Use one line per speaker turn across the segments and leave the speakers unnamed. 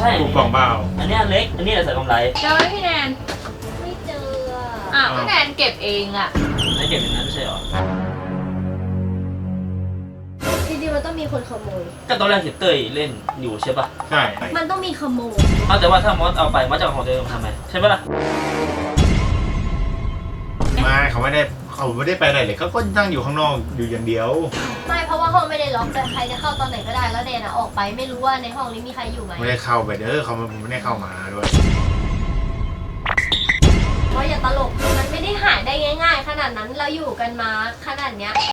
ช่
ถูกกล่องเปล่า
อันนี้เล็กอันนี้ใส่กำไร
เจอไหมพี่แนน
ไม่เจอ
พี่แนนเก็บเองอ่ะ
ไม่เก็บอย่างนั้นไม่ใช่หรอ
จริงๆมันต้องมีคนขโมย
ก็ตอนแรกเห็นเต้ยเล่นอยู่ใช่ป่ะ
ใช่
มันต้องมีขโมย
แต่ว่าถ้ามอสเอาไปมอสจะเอาของตัวเองมาทำไมใช่ป่ะล่ะ
ไม่เขาไม่ได้ไปไหนเลยเขาก็นั่งอยู่ข้างนอกอยู่อย่างเดียว
ไม่เพราะว่าห้องไม่ได้ล็อกแต่ใครจะเข้าตอนไหนก็ได้แล้วเดนออกไปไม่รู้ว่าในห้องนี้มีใครอยู่ไหม
ไม่ได้เข้าไปเด้อเขาไม่ได้เข้ามาด้วย
เพราะอย่าตลกมันไม่ได้หายได้ง่ายๆขนาดนั้นเราอยู่กันมาขนาดเนี้ย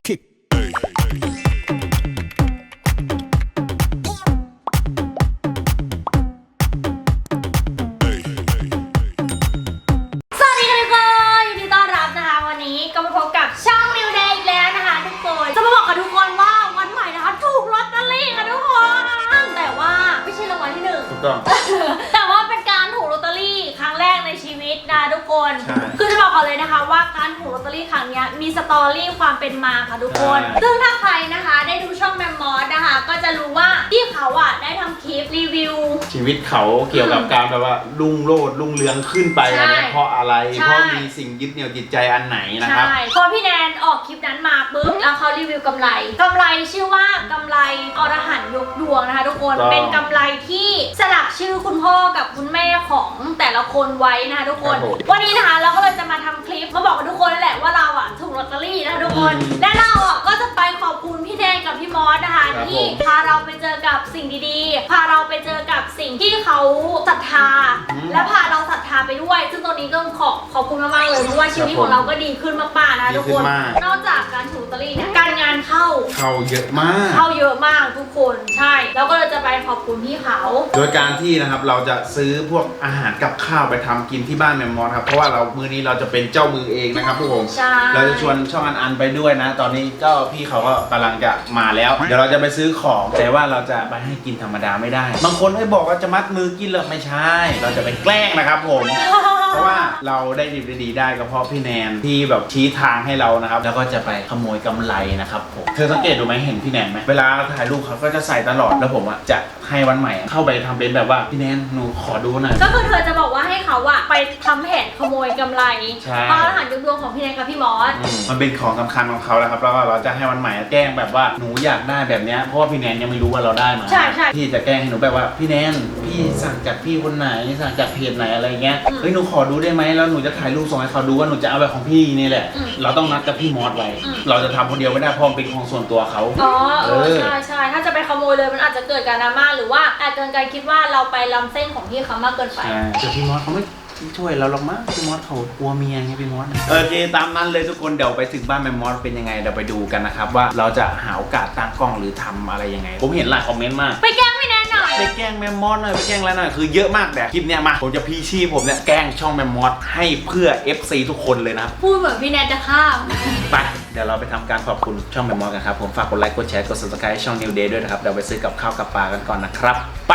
แต่ว่าเป็นการถูกลอตเตอรี่ครั้งแรกในชีวิตนะทุกคนคือจะบอกก่อนเลยนะคะว่าการถูกลอตเตอรี่ครั้งนี้มีสตอรี่ความเป็นมาค่ะทุกคนซึ่งถ้าใครนะคะได้ดูช่องแมมมอสนะคะก็จะรู้ว่าที่เขาได้ทำคลิปรีวิว
ชีวิตเขาเกี่ยวกับการแบบว่ารุ่งโรจน์รุ่งเรืองขึ้นไปอันนี้เพราะอะไรเพราะมีสิ่งยึดเหนี่ยวจิตใจอันไหนนะครับ
พอพี่แนนออกคลิปนั้นมาปุ๊บแล้วเขารีวิวกำไรชื่อว่ากำไรอรหันต์ยกดวงนะคะทุกคนเป็นกำไรที่สลักชื่อคุณพ่อกับคุณแม่ของแต่ละคนไว้นะคะทุกคนวันนี้นะคะเราก็เลยจะมาทำคลิปมาบอกกับทุกคนนั่นแหละว่าเราถูกลอตเตอรี่นะคะทุกคนและเราก็จะไปขอบคุณพี่แนนกับพี่มอสนะคะที่พาเราไปเจอกับสิ่งดีๆพาเราไปเจอกับสิ่งที่เขาศรัทธาและพาเราศรัทธาไปด้วยซึ่งตรงนี้ก็ขอบคุณมากๆเลยเพราะว่าชีวิตของเราก็ดีขึ้นมากๆนะทุกคนนอกจากการถูกลอตเตอรี่เนี่ยการงานเข้า
เยอะมาก
ทุกคนใช่แล้วก็เลยจะไปขอบคุณพี่เขา
โดยการที่นะครับเราจะซื้อพวกอาหารกับข้าวไปทำกินที่บ้านแมมมอสครับเพราะว่ามื้อนี้เราจะเป็นเจ้ามือเองนะครับทุกคนเราจะชวนช่องอันไปด้วยนะตอนนี้ก็พี่เขาก็กำลังจะมาแล้วเดี๋ยวเราจะไปซื้อของแต่ว่าเราจะไปให้กินธรรมดาไม่ได้บางคนให้บอกว่าจะมัดมือกินหรอไม่ใช่เราจะไปแกล้งนะครับผมเพราะว่าเราได้ดีได้ก็เพราะพี่แนนที่แบบชี้ทางให้เรานะครับแล้วก็จะไปขโมยกำไรนะครับผมเธอสังเกตดูไหมเห็นพี่แนนไหมเวลาถ่ายรูปเขาก็จะใส่ตลอดแล้วผมจะให้วันใหม่เข้าไปทำเป็นแบบว่าพี่แนนหนูขอดูหน่อย
ก็คือเธอจะบอกว่าให้เขาไปทำแผนขโมยกำไรเพราะรหัสยกดวงของพี่แนนกับพี่มอส
มันเป็นของสำคัญของเขาแล้วครับแล้วก็เราจะให้วันใหม่แกล้งแบบว่าหนูอยากได้แบบนี้เพราะว่าพี่แนนยังไม่รู้ว่าเราได้มา
ใช่
พี่จะแกล้งให้หนูแบบว่าพี่แนนพี่สั่งจากพี่คนไหนสั่งจากเพจไหนอะไรเงี้ยเฮ้ยหนูขอดูได้ไหมแล้วหนูจะถ่ายรูปส่งให้เขาดูว่าหนูจะเอาแบบของพี่นี่แหละเราต้องนัดกับพี่มอสไว้เราจะทำคนเดียวไม่ได้เพราะเป็นของส่วนตัวเขา
ใช่ถ้าจะไปขโมยเลยมันอาจจะเกิดการดราม่าหรือว่าอาจเกินการคิดว่าเราไปล้ำเส้นของพี่เขามากเกินไป
แต่พี่มอสเขาไม่ช่วยเราหรอกมั้งพี่มอสเขากลัวเมียไงพี่มอสโอเคตามนั้นเลยทุกคนเดี๋ยวไปถึงบ้านแมมมอสเป็นยังไงเดี๋ยวไปดูกันนะครับว่าเราจะหาโอกาสตั้งกล้องหรือทำอะไรยังไงผมเห็นหลายคอมเมนต์มาก
ไปแกล้งพี่แนนหน่อย
ไปแกล้งแมมมอสหน่อยไปแกล้งอะไรหน่อยคือเยอะมากแต่คลิปเนี้ยมาผมจะพีชีผมเนี่ยแกล้งช่องแมมมอสให้เพื่อ FC ทุกคนเลยนะ
พูดเหมือนพี่แนนจะข้าม
ไปเดี๋ยวเราไปทำการขอบคุณช่องแมมมอสกันครับผมฝากกดไลค์กดแชร์กด Subscribe ช่อง New Day ด้วยนะครับเดี๋ยวไปซื้อกับข้าวกับปลากันก่อนนะครับไป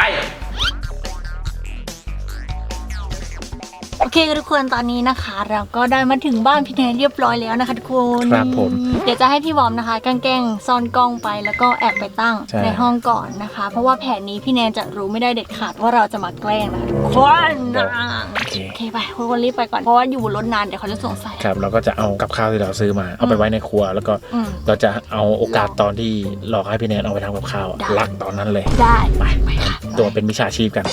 โอเคทุกคนตอนนี้นะคะเราก็ได้มาถึงบ้านพี่แนนเรียบร้อยแล้วนะคะทุกคน
ครับผม
เดี๋ยวจะให้พี่บอมนะคะแกล้งซ่อนกล้องไปแล้วก็แอบไปตั้งในห้องก่อนนะคะเพราะว่าแผนนี้พี่แนนจะรู้ไม่ได้เด็ดขาดว่าเราจะมาแกล้งนะคะทุกคนโอเคไปทุกคนรีบไปก่อนเพราะว่าอยู่บนรถนานเดี๋ยวเขาจะสงสัย
ครับเราก็จะเอากับข้าวที่เราซื้อมาเอาไปไว้ในครัวแล้วก็เราจะเอาโอกาสตอนที่หลอกให้พี่แนนเอาไปทำกับข้าวลักตอนนั้นเลย
ได้ไป
ตัวเป็นมิจฉาชีพกัน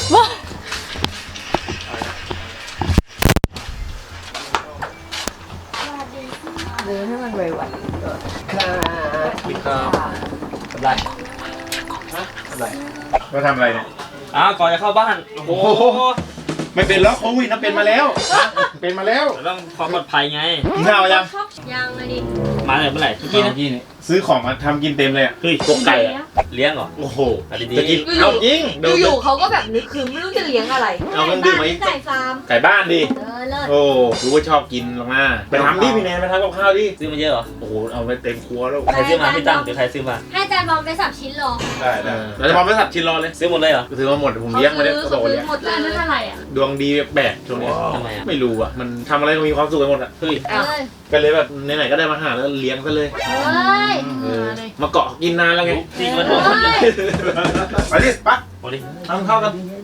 ให้มันไวๆ
ครับอะไร
มาทำอะไรเนี่ย
ก่อนจะเข้าบ้านโอ้โห
ไม่เป็นแล้วโควิดนะเป็นมาแล้วเป็นมาแล้ว
ต้องความปลอดภัยไง
กินข้าวยัง
เลยดิ
มาเลยเมื่อไหร่
เมื่อกี้นี่ซื้อของมาทำกินเต็มเลย
เฮ้ยพวกไก่เลี้ยงเหรอ
โอ้โห
ดี
จะกินเอาจริง
อยู่เขาก็แบบนึกคือไม่รู้จะเลี้ยงอะไร
เอากันดื่มไหม
ไก่ฟาร์ม
ไก่บ้านดิโอ้รู้ว่าชอบกินลงมาไปทำดิพี่แนนไปทำกับข้าวดิ
ซื้อมาเยอะเหรอ
โอ้โหเอาไปเต็มครัวแล้ว
ใครซื้อมาพี่ตั้งหรือใครซื้อมา
ให้จานบอมไปสับชิ้นรอ
ได้เราจะบอมไปสับชิ้นรอเลย
ซื้อหมดเลยเหรอ
ซื้อมาหมดผมเลี้ยงมาเนี่ย
เขาซื้อหมดเลยนั่นเท่าไหร่อ่ะ
ดวงดีแบกช่วงนี้ไม่รู้อ่ะมันทำอะไรก็มีความสุขไปหมดอ่ะเฮ้ยก็เลยแบบไหนๆก็ได้มาหาแล้วเลี้ยงซะเลยมาเกาะกินนานแล้วไง
จริงมันโดน
ไปดิปั๊บทำข้าวกัน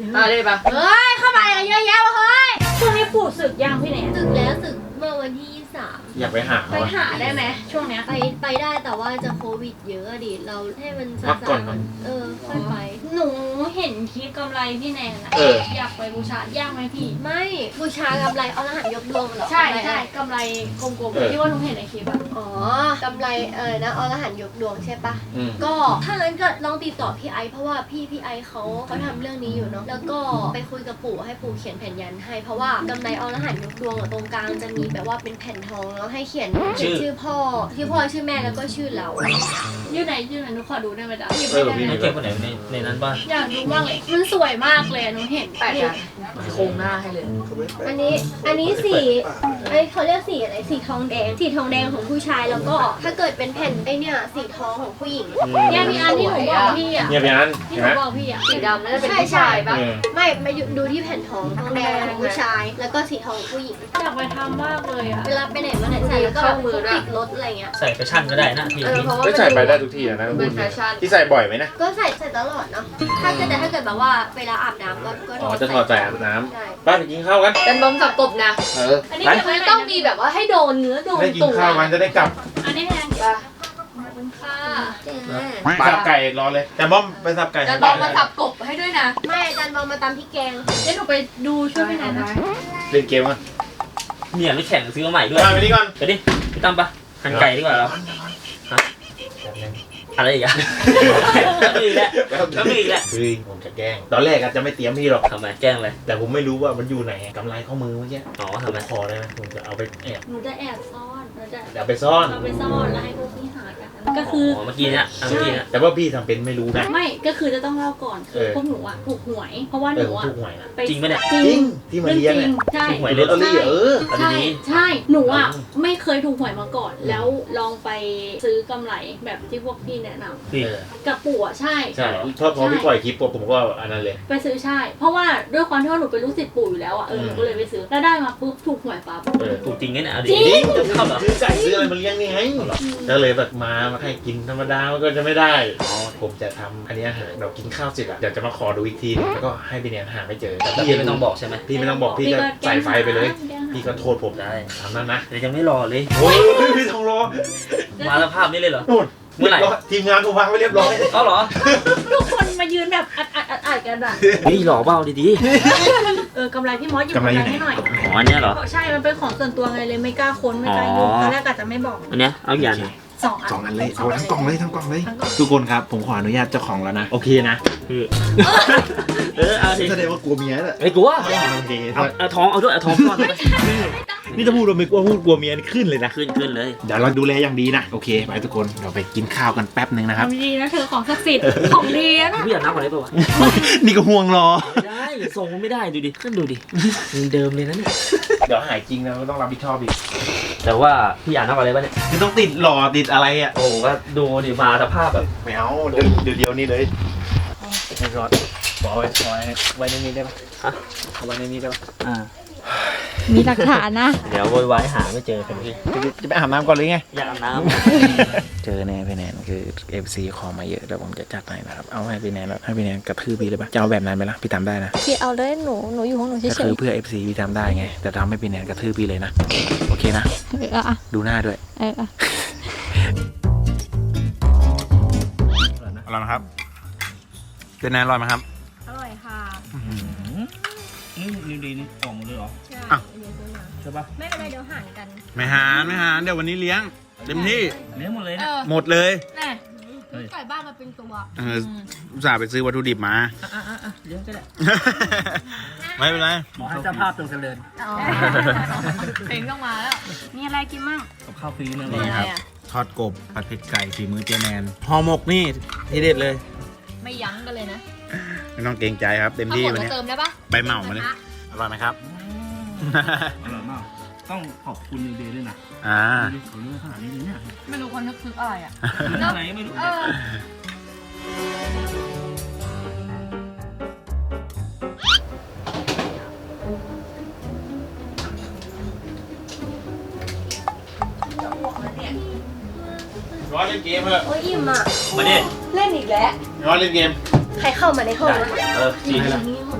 ได้ปะ
เฮ้ยเข้ามาอะไรเยอะแยะวะเฮ้ย
ช่วงนี้ปู่ศึกยังพี่แหนน
สึกแล้วสึกเมื่อวันที่23
อยากไปหา
ไปหาได้ไหมช่วงเนี้ย
ไปได้แต่ว่าจะโควิดเยอะอะดิเราให้มัน
พักก่อน
ค่อยไป
หนูเห็นคลิปกำไรพี่แนนอะ
เออ
อยากไปบูชายากไหมพี่
ไม่บูชากำไรเอารหัสยกดวงเหรอ
ใช่
กำไร
ใช่
อะไร
กำไรกลม
เออ
ๆที่ว่าหนูเห็นในคลิปอะ
อ๋อกำไรนะเอารหัสยกดวงใช่ปะ
อืม
ก็ถ้างั้นก็ลองติดต่อพี่ไอซ์เพราะว่าพี่ไอซ์เขาทำเรื่องนี้อยู่เนาะแล้วก็ไปคุยกับปู่ให้ปู่เขียนแผ่นยันให้เพราะว่ากำไรเอารหัสยกดวงอะตรงกลางจะมีแบบว่าเป็นแผ่นทองแล้วให้เขียนชื่อพ่อชื่อแม่แล้วก็ชื่อเรา
ยื่นไหนหนูขอดูได้ไหมจ๊ะหยิบ
เอ
ไม่
อ
ได้
ไม่เก็บคนไหนในนั้นบ้าง
อยากดูมากเลยมันสวยมากเลยอะหนูเห็น
แปะกันโครงหน้าให้เลย
อันนี้สีเขาเรียกสีอะไรสีทองแดงของผู้ชายแล้วก็ถ้าเกิดเป็นแผ่นเนี่ยสีทองของผู้หญิง
เนี่ยมีอันที่หนูบอกพี่อะ
เนี่ยพี่อัน
ที่
เห็น
หนู
ไหม
บอกพี่อะ
สีดำน่าจะเป็นผู้ชายปะ
เออ
ไม่มาดูที่แผ่นทองแดงของผู้ชาย แล้วก็สีทองของผู้หญิง
อยากไปทำมากเลยอะ
เวลาไปไหนมาไหนใส่แล้วก็แบบพกติดรถอะไรเงี้ย
ใส่แฟชั่นก็ได้นะพี่
เพราะว่า
ก็ใส่ไปได้ทุกที่นะ
เป็นแฟชั่น
ที่ใส่บ่อยไหมนะ
ก็ใส่ตลอดเนาะถ้าเกิดแบบว่าเวลาอาบน้ำก็
อ๋อจะถอดใส่อาบน้
ใช่
ำป้าไปกินข้าวกัน
เป็นบอมสับกบนะ
เออ
อันนี้
ไป
เก็บไว้ไหน
ต้องมีแบบว่าให้โดนเนื้อโดน
ได้กิน
ตัว
ข้าวกันจะได้กลับ
อันนี้แพง
ปะ
ขอบคุณค่ะ
สับไก่รอเลย แต่บ้อมไปสับไก่
จะต้องมาสับกบให้ด้วยนะ
ไม่อาจารย์บอลมาตำพริกแกง
เดี๋ยวหนูไปดูช่วยพี่แนนนะ
เล่นเกมกัน
เนี่ยไม่แข่งซื้อมาใหม่ด้วย
ไปนี่ก่อน
ไปดิพี่ตั้มปะหั่นไก่ดีกว่าเราฮะอะไรอีกอะแล้วมีอีกแล้วแล้วมีอีกแล้ว
เฮ้ยผมจะแกล้ง ตอนแรกอาจจะไม่เตรียมพี่หรอก
ทำไมแกล้งเลย
แต่ผมไม่รู้ว่ามันอยู่ไหนกำไรข้อมือเมื่อกี้
อ๋อ
ผ
ทำ
ม
ไม
ขอได้ไหมผมจะเอาไปแอบ
หนูจะแอบซ่อนหนูจะ
เดี๋ยวไปซ่อน
เอาไปซ่อนแล้วให้พวกพี่หากันก็คือ
เมื่อกี้เนี่ยเมื่อกี้เนี่ย
แต่ว่าพี่ทำเป็นไม่รู้นะ
ไม่ก็คือจะต้องเล่าก่อนคือพวกหนูอะถูกหวย เพราะว่าหนูอะ
ทุกหวยนะ
ไป
จริงปะเนี่ย
จริ
จริ
ง
งที่มาเลี้ยง
เรื่อง
เนี่ย
จริงใช่
ถูกหวย
ลอตเตอรี่เออ
ใช่
ดี
ใช่หนูอะไม่เคยถูกหวยมาก่อน แล้วลองไปซื้อกำไรแบบที่พวกพี่แนะนำ
พี่
กับปู่อะใช่
ใช่พอพี่ปล่อยคลิปปุ๊บผมก็อันนั้นเลย
ไปซื้อใช่ เพราะว่าด้วยความที่ว่าหนูเป็นลูกศิษย์ปู่อยู่แล้วอะหนูก็เลยไปซื้อแล้วได้มาปุ๊บถูกหวยปั๊บ
เออ
ถูกจริงไงเนี่ยเอาดิ
จริง
จะเข้าเหรอ
ซื้อไก่ซื้ออะไรมาเลี้ยงนี่ไงก็เลยแบบมาให้กินธรรมดามันก็จะไม่ได้ผมจะทำอันนี้อาหารเรากินข้าวเสร็จอะเดี๋ยวจะมาขอดูอีกทีแล้วก็ให้พี่เนี่ยหาไม่เจอแต่
แต่
พี่
พี่ไม่ต้องบอกใช่ไหม
พี่ไม่ต้องบอกพี่ก็ใส่ไฟไปเลย พี่ก็โทษผม
ได้
ทำนั้นนะ
เดี๋ยวยังไม่รอเลย
โอ้ยพี่ทองรอ
มาสภาพนี้เลยเหรอ
นู่น
เมื่อไหร่
ทีมงานกูวางไว้เรียบร้อย
เอาเหรอ
ทุกคนมายืนแบบอัดกันอะ
เฮ้ยหล่อเบ้าดี
กำไรพี่มอสหยิบกำไรให้หน่อย
ๆอ๋ออันเนี้ยเหรอ
ใช่มันเป็นของส่วนตัวไงเลยไม่กล้าค้นไม่กล้ายุ่ง
อ๋อ
ตอนแรกอาจจะไม่บอก
อันเนี้ยเอาอย่าง
สองอัน
2 อันเลยเอาทั้งกล่องเลยทั้งกล่องเลย
ทั้งกล่อง
ทุกคนครับผมขออนุญาตเจ้าของแล้วนะโอเคนะ
คือเอาสิ
แสดงว่ากลัวเมียแหละ
ไม่กลัว
โอเค
เอาท้องเอาด้วยเอาท้องก่อนเลย
นี่ถ้าพูดว่าไม่กลัวพูดกลัวเมียนี่ขึ้นเลยนะ
ขึ้นเลย
เดี๋ยวเราดูแลอย่างดีนะโอเคไปทุกคนเราไปกินข้าวกันแป๊บหนึ่งนะครับ
ทำดีนะเธอของศักดิ์สิทธิ์ของดีนะ
พี่อยากนับอะไรเปล่าวะ
นี่ก็ห่วงรอ
ไม่ได้ส่งมันไม่ได้ดูดิขึ้นดูดิเดิมเลยนะเนี่ย
เดี๋ยวหายจริงนะก็ต้องรับผิดชอบอีก
แต่ว่าพี่อยากนับอะไรป่ะเนี่ย
คือต้องติดหล่อติดอะไรอ่ะ
โอ้โหก็ดูดิมาสภาพแบบ
ไม่เอาเดี๋ยวนี่เลย
ไม่รอด
ขอไว้ในนี้ได้ปะ
ฮะ
เอาไว้ในนี้ได้ปะ
มีหลักฐานนะ
เดี๋ยวโวยวายหาไม่เจอกันพี่
จะไปอาบน้ำก่อนเลยไง
อยากอาบน้
เจอแน่พี่แนนคือ FC ขอมาเยอะแล้วผมจะจัดให้นะครับเอาให้พี่แนนแล้วให้พี่แนนกระทืบพี่เลยปะจะเอาแบบนั้นไหมล่ะพี่ทำได้นะ
พี่เอาเลยหนูอยู่ของหนูเฉ
ก็คื
ย
อเพื่อ FC พี่ทำได้ไงแต่ทำให้พี่แนนกระทืบพี่เลยนะโอเคนะ
ๆอ่ะ
ดูหน้าด้วย
อ่ะ
อร่อยไหมครับเป็นไงอร่อยไหมครับ
อร่อยค่ะ
นี่ดีนี่ของหมดเลยเหรอ
อ่ะ
ใช่ปะ
ไม่เป็นไรเดี๋ยวหารกัน
ไม่หารเดี๋ยววันนี้เลี้ยงเต็มที่
เลี้ยงหมดเลยนะ
หมดเลย
แน่
ไก่บ้านมาเป็นตัว
อุตส่าห์ไปซื้อวัตถุดิบมา
เลี้ยงก็ได้
ไม่เป็นไร
ขอให้เจ้าภาพจงเจริญ
เพลงต้องมาแล้ว
มีอะไรกินมั่ง
กับข้าวฟรีนั่น
นี่
เอง
ครับทอดกบผัดเผ็ดไก่ฝีมือเจแนนห่อหมกนี่ทีเด็ดเลย
ไม่ยั้งกันเลยนะ
ไม่ต้องเกรงใจครับเต็ม
เอา
ที่
หมด
วัน
มา
นี้
เติมได้ปะ
ใบเหมามาเลยอร่อยไหมครับ
อร่อยมากต้องขอบคุณนิวเดย์ด้วยนะ
อ่า
เขาเลือกขนาดนี้เลยเนี่ย
ไม่รู้คนนึกคืออะไรอ่ะ
อะไรไม่รู้
ร้อนเล่นเกมเถอะ
โอ้ยอิ่มอ่ะ
มาดิ
เล่นอีกแล้ว
ร้อนเล่นเกม
ใครเข้ามาในห้องนะ
จริง
นี่หมด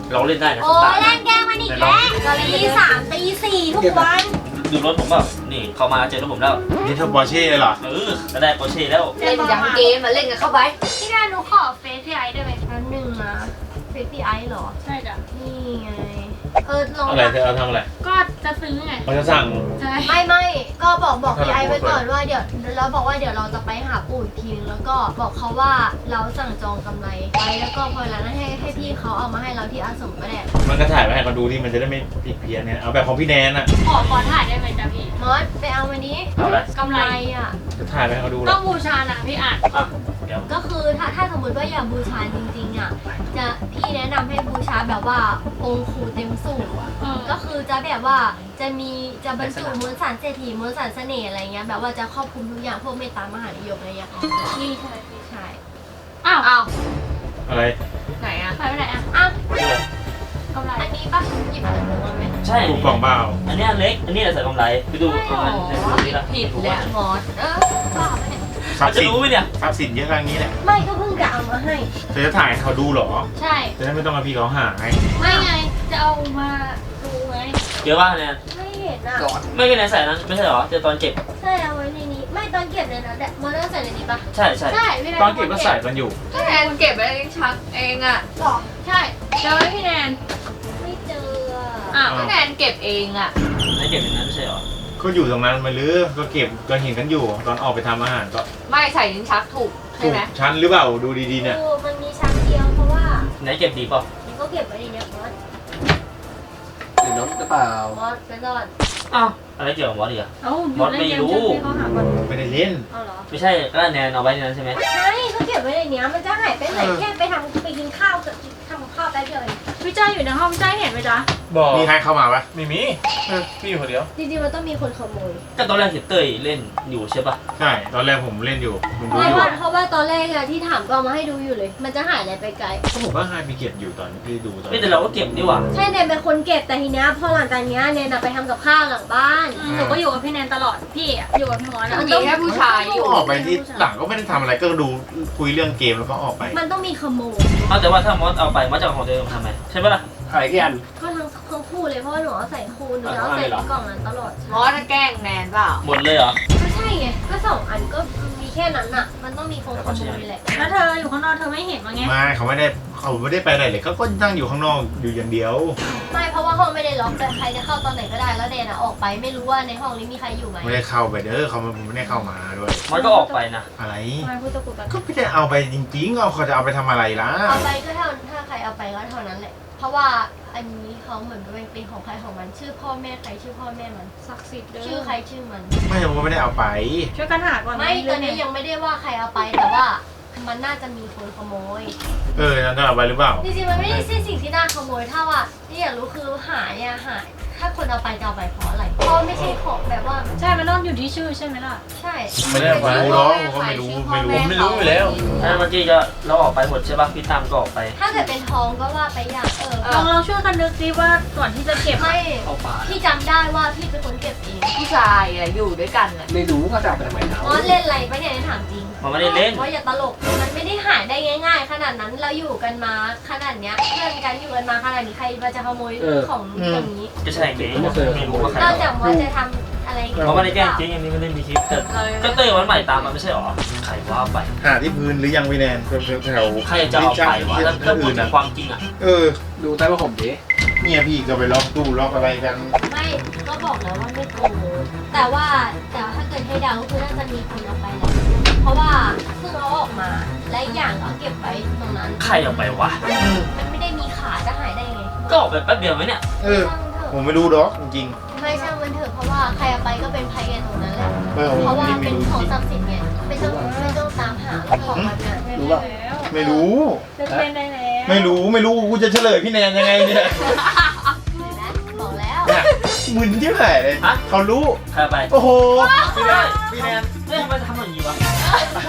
เราเล่นได้นะ
โอ้
สตาร์
เล่นแกล้งมันอีกแล้วตีสามตีสี่ทุกวัน
ดูรถผมแบบนี่เข้ามาเจอรถผมแล้ว
นี่เธอปอร์เช่เลยเหรอ
ก็ได้โปรเช่แล้ว
เล่นอย่างเกมมาเล่นกันเข้าไป
พี่แนนหนูขอเฟซพี่ไอได้ไหม
แป๊บนึงนะเฟซพี่ไอเหรอ
ใช่จ้ะ
นี่ไงลอง
อะไรเธอเอาทำอะไร
ก็จะซื้อไง
เขาจะสั่ง
ใช่
ไม่ก็บอกพี่ไอไว้ก่อนว่าเดี๋ยวเราบอกว่าเดี๋ยวเราจะไปหาปู่อีกทีนึงแล้วก็บอกเขาว่าเราสั่งจองกำไรไว้แล้วก็พอแล้วให้พี่เขาเอามาให้เราที่อาสมก็ได้
มันก็ถ่ายไปให้เขาดูที่มันจะได้ไม่ผิดเพี้ยนเนี่ยเอาแบบของพี่แนนอะ
ขอถ่ายได้ไหมจ๊ะพี่
มอสไปเอามานี้
เอาละ
กำไร
อ่ะ
จะถ่ายไปให้เขาดูหร
ต้
อ
องบูชานะพี่อ่าน
อ่ะเดี๋ยว
ก็คือถ้าสมมติว่าอยากบูชาจริงๆอ่ะจะพี่แนะนำให้บูชาแบบว่าองค์ปู่เต็มสูงก็คือจะแบบว่าจะบรรจุมวลสารเศรษฐีมวลสารเสน่ห์อะไรเงี้ยแบบว่าจะครอบคลุมทุกอย่างพวกเมตตามหานิยมอะไรเงี้ยนี่ใช่พี่ชาย
อ้าว
อ้าว
อะไร
ไหนอะ
หายไปไหนอ่ะ
อ้าว
กำไร
อันนี้ปะหยิบอันหนูมาไหม
ใช่
ดูกล่องเปล่า
อันนี้เล็กอันนี้ใส่กำไรไปดูประมาณนี้ละ
ผิดแหละ
มอสบ้าปะเนี่ย
ทรั
เขา
พย์
จะ
สิน
รู้ไหมเนี่ย
ทรัพย์สินเยอะขนาดนี้แหละ
ไม่ก็เพิ่งจะเอามาให้
เธอจะถ่ายให้เขาดูเหรอ
ใช่
จะได้ไม่ต้องมาพี่เขาหาไง
ไม่ไงจะเอามาดูไง
เยอะว่าเนี่ย
ไม่เห็นอ่ะ
ไม่เป็นไรใส่นั้นไม่ใช่หรอเจอตอนเก็บ
ใช่เอาไว้ในนี้ไม่ตอนเก็บเลยนะมอสต้องใส่ในนี้ปะ
ใช่ใช่
ใช่พี่แนน
ตอนเก็บก็ใส่กันอยู่
ก็แทนเก็บไว้เองชักเองอะ
หรอ
ใช่เจอไหมพี่แนน
ไม่เจอ
อ้าว
ก็แทนเก็บเองอะ
ไม่เก็บอย่างนั้นไม่ใช่หรอ
ก็อยู่ตรงนั้นมาลือก็เก็บก็เห็นกันอยู่ ตอนออกไปทำอาหารก็
ไม่ใส่ลิ้นชักถูกใช่
ถูก
ไหม
ชั้นหรือเปล่าดูดีๆเนี่ย
มันมีชั้นเดียวเพราะว่า
ไหนเก็บดีเปล่า
มันก็เก็บไว้ในนี้มอส
หรือรถหรือเปล่าม
อสไปก่อน
อ้าวอะไรเกี่ยวกับมอสอีกอะ
เอ้าอยู่เล่นเกมเชิญพี่เขาหาก่อน
ไม่ได้เล่น
เอาเหรอ
ไม่ใช่ก็แนนเอาไว้ในนั้นใช่ไหม
ใช่ก็เก็บไว้ในนี้มันจะหายไปไหนแค่ไปกินข้าวกับทำข้าวแป๊บเดียวเอง
พี่จ้าอยู่ในห้องพี่จ้าเห็นไหมจ๊ะ
บอก
มีใครเข้ามาปะ
ไม่มีพี่อยู่คนเดียว
จริงๆมันต้องมีคนขโมย
ก็ตอนแรกเห็นเต้ยเล่นอยู่ใช่ปะ
ใช่ตอนแรกผมเล่นอยู่ผมดู
ไม่
อยู่
เพราะว่าตอนแรกอะที่ถามก็เอามาให้ดูอยู่เลย มันจะหายอะไรไปไกล
ก็ผมก็ให้ไปเก็บอยู่ตอนที่ดูตอน
ไม่แต่เราก็เก็บนี่หว่า
ใช่เนนเป็นคนเก็บแต่ทีเนี้ยพอหลังจากเนี้ยเนนอะไปทำกับข้าวหลังบ้าน
หนูก็อยู่กับพี่แนนตลอดพี่อะอยู่กับพี่มอสอะ
มีแค่ผู้ชายอยู่
ออกไปที่หลังก็ไม่ได้ทำอะไรก็ดูคุยเรื่องเกมแล้วก็ออกไป
มันต้องมีขโมย
เอาแต่ว่าถ้ามอสเอาไปมอสจะเอาของตัวเองมาทำไมใช่ปะล่ะ
ขายกี่อัน
ก็ทั้งคู่เลยเพราะว่าหนูเอาใส่คู่หนูจะเอาใส่ในกล่องนั้นตลอด
มอสจะแกล้งแนนเปล่า
หมดเลยเหรอ
ก็ใช่ไงก็2 อันก็มีแค่นั้นอะมันต้องมีคนขโมยแหละ
แล้วเธออยู่ข้างนอกเธอไม่เห็นมั้งไง
ไม่เขาไม่ได้ไปไหนเลยเขาก็นั่งอยู่ข้างนอกอยู่อย่างเดียว
ไม่เพราะว่าห้องไม่ได้ล็อกแต่ใครจะเข้าตอนไหนก็ได้แล้วเนนอะออกไปไม่รู้ว่าในห้องนี้มีใครอยู่ไหม
ไม่ได้เข้าไปเด้อเขาไม่ได้เข้ามาด้วย
มอสก็ออกไปนะ
อะไร
ทำไมพูดตะกุกตะกั
ก็
ก
ไม่ได้เอาไปจริงๆเขาจะเอาไปทำอะไรล่ะ
เอาไปก็ถ้าใครเอาไปก็เท่านั้นแหละ เพราะว่าอันนี้เขาเหมือนเป็นของใครของมันชื่อพ่อแม่ใครชื่อพ่อแม่มัน
ศักดิ์สิทธิ์เด้อ
ชื่อใครชื่อมัน
ไม่ผมก็ไม่ได้เอาไป
ช่วยกันหาก่อน
ไม่ตอนนี้ยังไม่ได้ว่าใครเอาไปแต่ว่ามันน่าจะมีคนขโมย
นั่นจะเอาไปหรือเปล่า
จริงๆมันไม่ได้ใช่สิ่งที่น่าขโมยถ้าว่าที่อยากรู้คือหายเนี่ยหายถ้าคนเอาไปจะเอาไปเพราะอะไรเพราะไม่ใช่ของแบบว่า
ใช่มันต้องอยู่ที่ชื่อใช่ไหมล่ะ
ใช่
ไม่ได้เอาไปรู้หรอกผมก็ไม่รู้
ผมไม่รู้อยู่แล้ว
ถ้าเมื่อกี้จะเราออกไปหมดใช่ปะพี่ตามก็ออกไป
ถ้าเกิดเป็นทองก็ว่าไปอย่าง
ลองช่วยกันนึกดิว่าก่อนที่จะเก็บ
ไม่
เข้าป่า
พี่จำได้ว่าพี่เป็นคนเก็บเอง
ผู้ชายอะอยู่ด้วยกันอะ
ไม่รู้เขาจะเอาไปทำไมเขา
มอสเล่นอะไรปะเนี่ยถามจริง
มันไม่ได้เล่น
ว่าอย่าตลก มันไม่ได้หายได้ง่าย ๆ ขนาดนั้น เราอยู่กันมาขนาดเนี้ยเพื่อนกันอยู่กันมาขนาดนี้ใครมาจะขโมยของอย่างนี้
ก็ใช่ไงไม่รู้ว่าใคร
นอกจากว่าจะทำอะไร
เขาไม่ได้แกล้งจริงอันนี้ไม่ได้มีคลิปแต่ก็เต้ยวันใหม่ตามมาไม่ใช่หรอใครว่าไป
หาที่พื้นหรือยังพี่แนนแถว
ใครจะเอาไปวะถ้าพูดถึงความจริงอะ
ดูใต้ว่าผมดิ
เนี่ยพี่ก็ไปล็อกตู้ล็อกอะไรกัน
ไม่ก็บอกแล้วว่าไม่โกงแต่ถ้าเกิดให้เดาก็คือน่าจะมีคนเอาไปแหละเพราะว่าเพิ่งเอาออกมาและอีกอย่างก็เก็บไว้ตรงนั้น
ใครเอาไปวะ
มันไม่ได้มีขาจะหายได้ไง
ก็ออกไปแป๊บเดียวไหมเนี่ย
ช่างมันเถ
ผม
อะ
ไม่รู้หรอกจริง
ไม่ช่างมันเถอะเพราะว่าใครเอาไปก็เป็นภัยกันตรงนั้นแหละ
ๆผม
เพราะว่า
ไม่
เป็น
รู้
ของ
จริง
ศักดิ์สิทธิ์ไงไม่ต้องตามหาของมันนะ
รู้ป่ะ
ไม่รู้
เล่นได้แล้ว
ไม่รู้กูจะเฉลยพี่แนนยังไงเนี่ย
เห็นไหมบอกแล้ว
เนี่ยมึนที่ไหนเลยเขารู้
ใครเอาไป
โอ้โหพี่แนน
เฮ้ยทำไมทำอย่างนี้วะ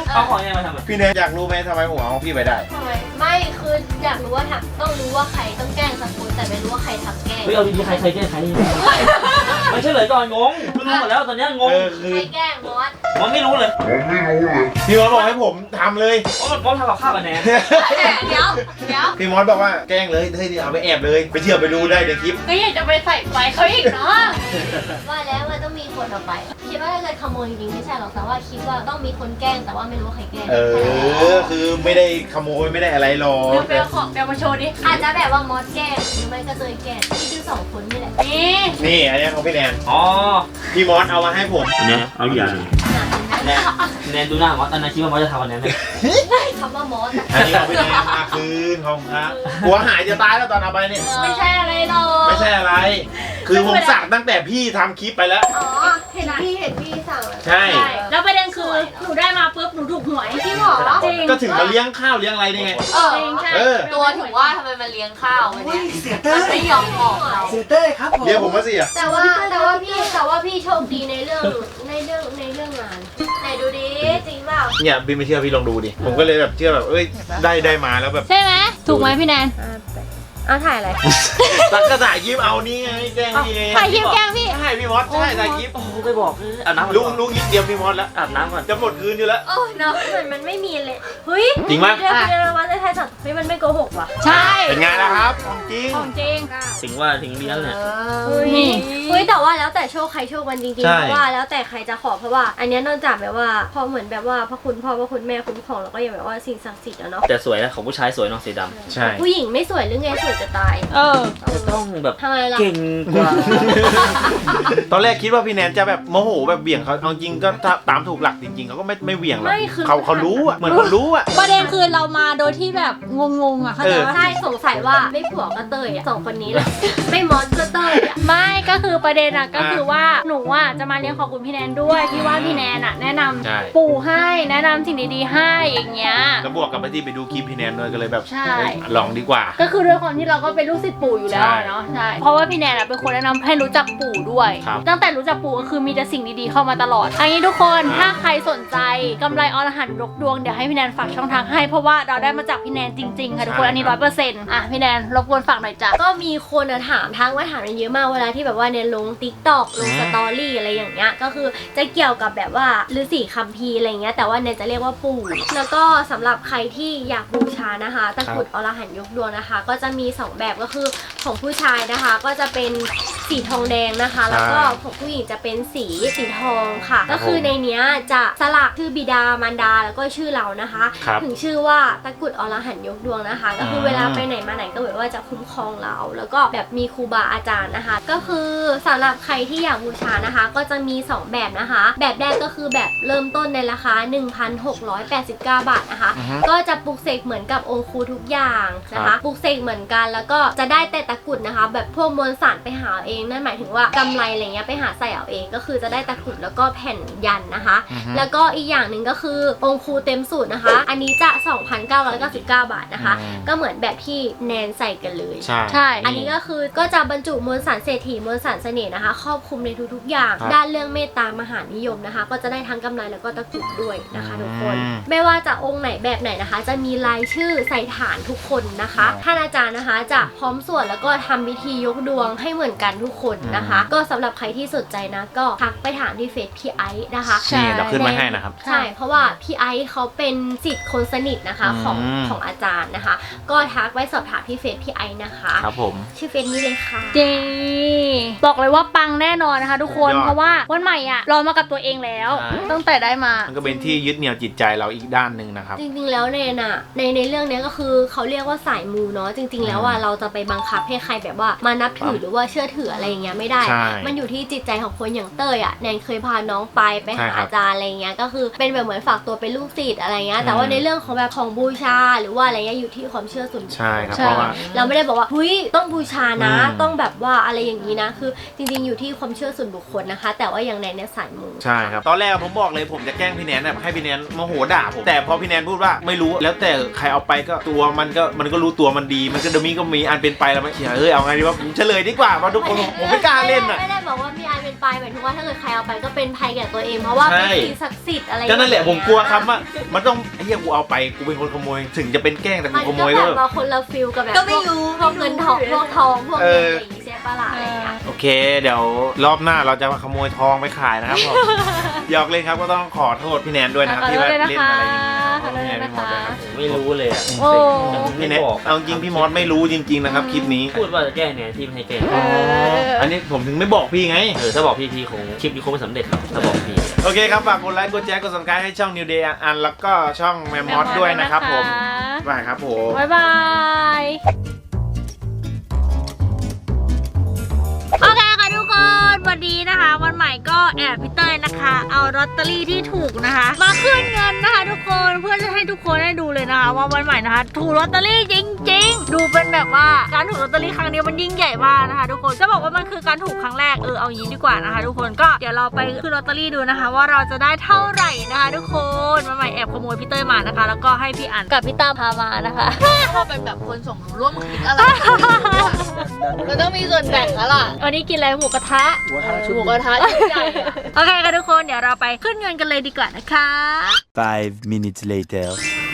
เอาของยังไงมาทำอ่ะ
พี่แนนอยากรู้ไหมทำไมผมเอาพี่ไปได้
ทำไมไม่คืออยากรู้ว่าต้องรู้ว่าใครต้องแกล้งสักคนแต่ไม่รู้ว่าใครทำแกล้ง
เฮ้ยเอาดีๆใครแก้ใครไม่ใช่เลยก่อนงงเพิ่งรู้หมดแล้วตอนนี้งง
คือ
ใครแกล้งมอส
มันไม่รู้เลย
พี่มอสบอกให้ผมทำเลย
ว่ามันป้อมทำกับข้าวกันแน่
เดี๋ยว
พี่มอสบอกว่าแกล้งเลยเฮ้ยเอาไปแอบเลยไปเชื่อไปดูได้ในคลิป
ก็อยากจะไปใส่ไฟเขาอีกเนาะ
ว่าแล้วมันต้องมีคนเอาไปคิดว่าถ้าเกิดขโมยจริงๆไม่ใช่หรอกแต่ว่าคิดว่าต้องมีคนแกล้งแต่ว่าไม่รู้ว่าใครแกล้ง
คือไม่ได้ขโมยไม่ได้อะไรหรอก
เดี๋ยวไปเอาของเดี๋ยวมาโชว์ดิ
อาจจะแบบว่ามอสแกล้งหรือไม่ก็เตยแกล้งที่คือ2 คนนี่แหละ
นี่
นี่อันนี้ของพี่แนน
อ๋อ
พี่มอสเอามาให้ผม
อันนี้เอาอย่างแนนดูหน้ามอสอันนั้นคิดว่ามอสจะทำอันนั้นไหม
คำว่ามอสอะ
อันนี้ของพี่แนนมาคืนของครับหัวหายจะตายแล้วตอนเอาไปเนี่ย
ไม่ใช่อะไรหรอก
ไม่ใช่อะไร คือผมสั่งตั้งแต่พี่ทำคลิปไปแล้ว
อ๋อเห็นพี่สั่งแล้ว
ใช่
ใช่แล้วประเด็นคือหนูได้มาปุ๊บหนูถูกหวย
จริงเหรอ
จริง
ก็ถึงมาเลี้ยงข้าวเลี้ยงอะไรนี่ไง
จริงใช่
ตัวถึงว่าทำไมมันเลี้ยงข้าวมันเนี่ย
เสียเต้
มัน
ย
ไม่ยอมบอกเรา
เสียเต้ยครับผม
เรียกผมมาสิอ่ะ
แต่ว่าพี่โชคดีในเรื่องงานไหนดูดิจริงเปล่า
เนี่ยบินไม่เชื่อพี่ลองดูดิ ผมก็เลยแบบเชื่อแบบเอ้ยได้มาแล้วแบบ
ใช่ไหมถูกไหมพี่แนน
เอาถ่ายอะไร
ตักกระต่ายยิ้มเอานี่ไงแกล้งพี่ไง
ถ่ายคลิปแกล้งพี่
ใช่พี่มอสใช่ถ่ายคลิป
โอ้โหไปบอกอาบน้ำ
ลุงคิดเตรียมพี่มอสแล้ว
อาบน้ำก่อน
จะหมดคืนอยู่แล้ว
โอ้ยเนาะมันไม่มีเลยเฮ้ย
จริงปะ
เดี๋ยวว่าจะถ่ายสัตว์เฮ้ยมันไม่โกหกว่ะ
ใช่
เป็นไงล่ะครับของจริง
ของจริง
ถึงว่าถึงมีนั่นแหละ
นี่
เฮ้ยแต่ว่าแล้วแต่โชคใครโชคมันจริงๆ
ใช่
เพราะว่าแล้วแต่ใครจะขอเพราะว่า อันเนี้ยนอกจากแบบว่าพอเหมือนแบบว่าพระคุณพ่อพระคุณแม่คุ้มครองแล้วก็ยังแบบว่าสิ่งศักดิ์สิทธิ์อะเนาะ
แต่สวยนะของผู้ชายสวยเนาะสีดำ
ใช่
ผู้หญิงไม่สวยหรือไงสวยจะตาย
จะต้องแบบ
ทำไมล่ะ
เก่งกว่า
ตอนแรกคิดว่าพี่แนนจะแบบโมโหแบบเบี่ยงเขาเอาจริงก็ถ้าตามถูกหลักจริงๆเขาก็ไม่เบี่ยงหรอก
ไม่คือ
เขารู้อ่ะเหมือนเขารู้อ่ะ
ประเด็นคือเรามาโดยที่แบบงงๆอ่ะเข้าใจปะ
ใช่สงสัยว่าไม่ผัวก็เตยอ่ะ2 คนนี้แหละ ไม่มอสก็เตยอ่ะ
ไม่ก็คือประเด็นอะก็คือว่าหนูอะจะมาเลี้ยงขอบคุณพี่แนนด้วยที่ว่าพี่แนนอะแนะนำ
ใช่
ปู่ให้แนะนำสิ่งดีๆให้อย่างเงี้ย
แล้วบวกกับไปที่ไปดูคลิปพี่แนนด้วยก็เลยแบบ
ใช่
เฮ้ยลองดีกว่า
ก็คือด้วยความที่เราก็เป็นลูกศิษย์ปู่อยู่แล้วอะเนาะใช่เพราะว่าพี่แนนอะเป็นคนแนะนำให้รู้จักปู่ด้วย
ครับ
ตั้งแต่รู้จักปู่ก็คือมีแต่สิ่งดีๆเข้ามาตลอดอันนี้ทุกคนถ้าใครสนใจกำไรอรหันต์ยกดวงเดี๋ยวให้พี่แนนฝากช่องทางให้เพราะว่าเราได้มาจากพี่แนนจริงๆค่ะทุกคนอันนี้100%อ่ะพี่แนนรบกวนฝากหน่อยจ้ะ
ก็มีคนอะถามทั้งว่าถามกันเยอะมากเวลาที่แบบว่าเนี่ยลง TikTok ลงสตอรี่อะไรอย่างเงี้ยก็คือจะเกี่ยวกับแบบว่าฤาษีคัมภีร์อะไรเงี้ยแต่ว่าเนี่ยจะเรียกว่าปู่แล้วก็สำหรับใครที่อยากบูชานะคะตะกรุดอรหันต์ยกดวงนะคะ ก็จะมี2แบบก็คือของผู้ชายนะคะ ก็จะเป็นสีทองแดงนะคะ แล้วก็ของผู้หญิงจะเป็นสีทองค่ะ ก็คือในเนี้ยจะสลักชื่อบิดามารดาแล้วก็ชื่อเรานะคะ
ครับ
ถึงชื่อว่าตะกรุดอรหันต์ยกดวงนะคะ ก็คือเวลาไปไหนมาไหนก็แบบว่าจะคุ้มครองเรา แล้วก็แบบมีครูบาอาจารย์นะคะ ก็คือสำหรับใครที่อยากบูชานะคะ ก็จะมี2แบบนะคะ แบบแรกก็คือแบบเริ่มต้นในราคา 1,689 บาทนะคะ ก็จะปลุกเสกเหมือนกับองค์ครูทุกอย่างนะคะปลุกเสกเหมือนกันแล้วก็จะได้แต่ตะกรุดนะคะ แบบพวกมวลสารไปหาเองนั่นหมายถึงว่ากำไรอะไรเงี้ยไปหาใส่เอาเองก็คือจะได้ตะกรุดแล้วก็แผ่นยันนะคะ แล้วก็อีกอย่างหนึ่งก็คือองค์ครูเต็มสูตรนะคะ อันนี้จะ 2,999 บาทนะคะ ก็เหมือนแบบที่แนนใส่กันเลย
ใช่
ใช่
อันนี้ก็คือก็จะบรรจุมวลสารเศรษฐีมวลสารเสน่ห์นะคะ ครอบคลุมในทุกๆอย่าง
ครับ
ด้านเรื่องเมตตามหานิยมนะคะ ก็จะได้ทั้งกำไรแล้วก็ตะกรุดด้วยนะคะทุกคน
อืม
ไม่ว่าจะองค์ไหนแบบไหนนะคะ จะมีรายชื่อใส่ฐานทุกคนนะคะ
ครับ
ท่านอาจารย์นะคะจะพร้อมสวดแล้วก็ทำพิธียกดวงให้เหมือนกันทุกคนนะคะ ก็สำหรับใครที่สนใจนะก็ทักไปถามที่เฟซพี่ไอซ์นะคะ
นี่เราขึ้นมาให้นะครับ
ใช่ เพราะว่าพี่ไอซ์เขาเป็นศิษย์คนสนิทนะคะของอาจารย์นะคะ ก็ทักไว้สอบถามที่เฟซพี่ไอซ์นะคะ
ครับผม
ชื่อเฟซนี้เลยค่ะ
จริงบอกเลยว่าปังแน่นอนนะคะทุกคน
สุดยอด
เพราะว่าวันใหม่อ่ะรอมากับตัวเองแล้ว
ใช่
ตั้งแต่ได้มา
มันก็เป็นที่ยึดเหนี่ยวจิตใจเราอีกด้านหนึ่งนะครับ
จริงๆแล้วในเรื่องเนี้ยก็คือเขาเรียกว่าสายมูเนาะจริง ๆ แล้วอ่ะเราจะไปบังคับให้ใครแบบว่ามานับถือหรือว่าเชื่อถืออะไรอย่างเงี้ยไม่ได้
ใช่
มันอยู่ที่จิตใจของคนอย่างเต้ยอ่ะแนนเคยพาน้องไป
ใช่
หา
ครับ
อาจารย์อะไรเงี้ยก็คือเป็นแบบเหมือนฝากตัวเป็นลูกศิษย์อะไรเงี้ยแต่ว่าในเรื่องของแบบของบูชาหรือว่าอะไรเงี้ยอยู่ที่ความเชื่อส่วนบุคคล
ใช่ครับ
ใช่
เพราะว่า
เราไม่ได้บอกว่าเฮ้ยต้องบูชานะ
อืม
ต้องแบบว่าอะไรอย่างนี้นะคือจริงๆอยู่ที่ความเชื่อส่วนบุคคลนะคะ แต่ว่าอย่างในเนี่ยสายมู
ใช่ครับตอนแรกผมบอกเลยผมจะแกล้งพี่แนนแบบให้พี่แนนโมโหด่าผมแต่พอพี่แนนพูดว่าไม่รู้แล้วแต่ใครเอาไปก็ตัวมันก็รู้ตัวมันดีมันก็เดยวมีอันเป็นไปแล้วมันเขียนเอาไงดีว่าผมเฉลยดีกว่าเพราะทุกคนผมไม่กล้าเล่นอ่ะ
ไม่ได้บบอกว่าพี่ไอเป็นปลายหมายถึงว่าถ้าเกิดใครเอาไปก็เป็นภัยแก่ตัวเองเพราะว่าเป็นสิ่งศักดิ์สิทธิ์อะไร
ก็นั่นแหละผมกลัวคำว่ามันต้องไอ้เหี้ยกูเอาไปกูเป็นคนขโมยถึงจะเป็นแกล้งแต่กู
มัน
ขโม
ก็
ย
แบ
ก็
บว่าคนละฟิลกับแบบ
ก็ไม่รู้
พวกเงินทองพวกทองพวกเงินอะไรอย่างงี้ใช่ปะล่ะอะไรอย่างเงี้ย
โอเค เดี๋ยวรอบหน้าเราจะมาขโมยทองไปขายนะครับผมหยอกเล่นครับก็ต้องขอโทษพี่แนนด้วยนะครับที่ว่าเล่นอะไรอย่างนี้
ขอโทษด้วยนะคะ
ไม่รู้เลยอ่ะ
โอ้
พี่แนนเอาจริงพี่มอสไม่รู้จริงๆนะครับคลิปนี้
พูดว่าจะแก้เนี่ยที่ไม่ให้แก้
อันนี้ผมถึงไม่บอกพี่ไง
ถ้าบอกพี่คงคลิปนี้คงไม่สำเร็จหรอกถ้าบอกพี่
โอเคครับฝากกดไลค์กดแชร์กด subscribe ให้ช่อง New Day อันแล้วก็ช่องแมมมอสด้วยนะครับผมบายครับผม
บ๊ายบายโอเคค่ะทุกคนวันนี้นะคะ วันใหม่ก็แอบพี่เต้ยนะคะ เอาลอตเตอรี่ที่ถูกนะคะ มาขึ้นเงินนะคะทุกคนเพื่อจะให้ทุกคนได้ดูเลยนะคะ ว่าวันใหม่นะคะถูกลอตเตอรี่จริงๆดูเป็นแบบว่าการถูกลอตเตอรี่ครั้งนี้มันยิ่งใหญ่มากนะคะ ทุกคนจะบอกว่ามันคือการถูกครั้งแรกเอาอย่างนี้ดีกว่านะคะ ทุกคนก็เดี๋ยวเราไปขึ้นลอตเตอรี่ดูนะคะ ว่าเราจะได้เท่าไหร่นะคะ ทุกคนวันใหม่แอบขโมยพี่เต้ยมานะคะ แล้วก็ให้พี่อันกับพี่ตั้มพามานะคะ
พอเป็นแบบคนสมรู้ร่วมคิดอะไรมันต้องมีส่วนแบ่งแล้วล่ะ
วันนี้กินอะไรหมูกระทะ
หมูกระทะใหญ่อะ
โอเคค่ะทุกคนเดี๋ยวเราไปขึ้นเงินกันเลยดีกว่านะคะ
5 minutes later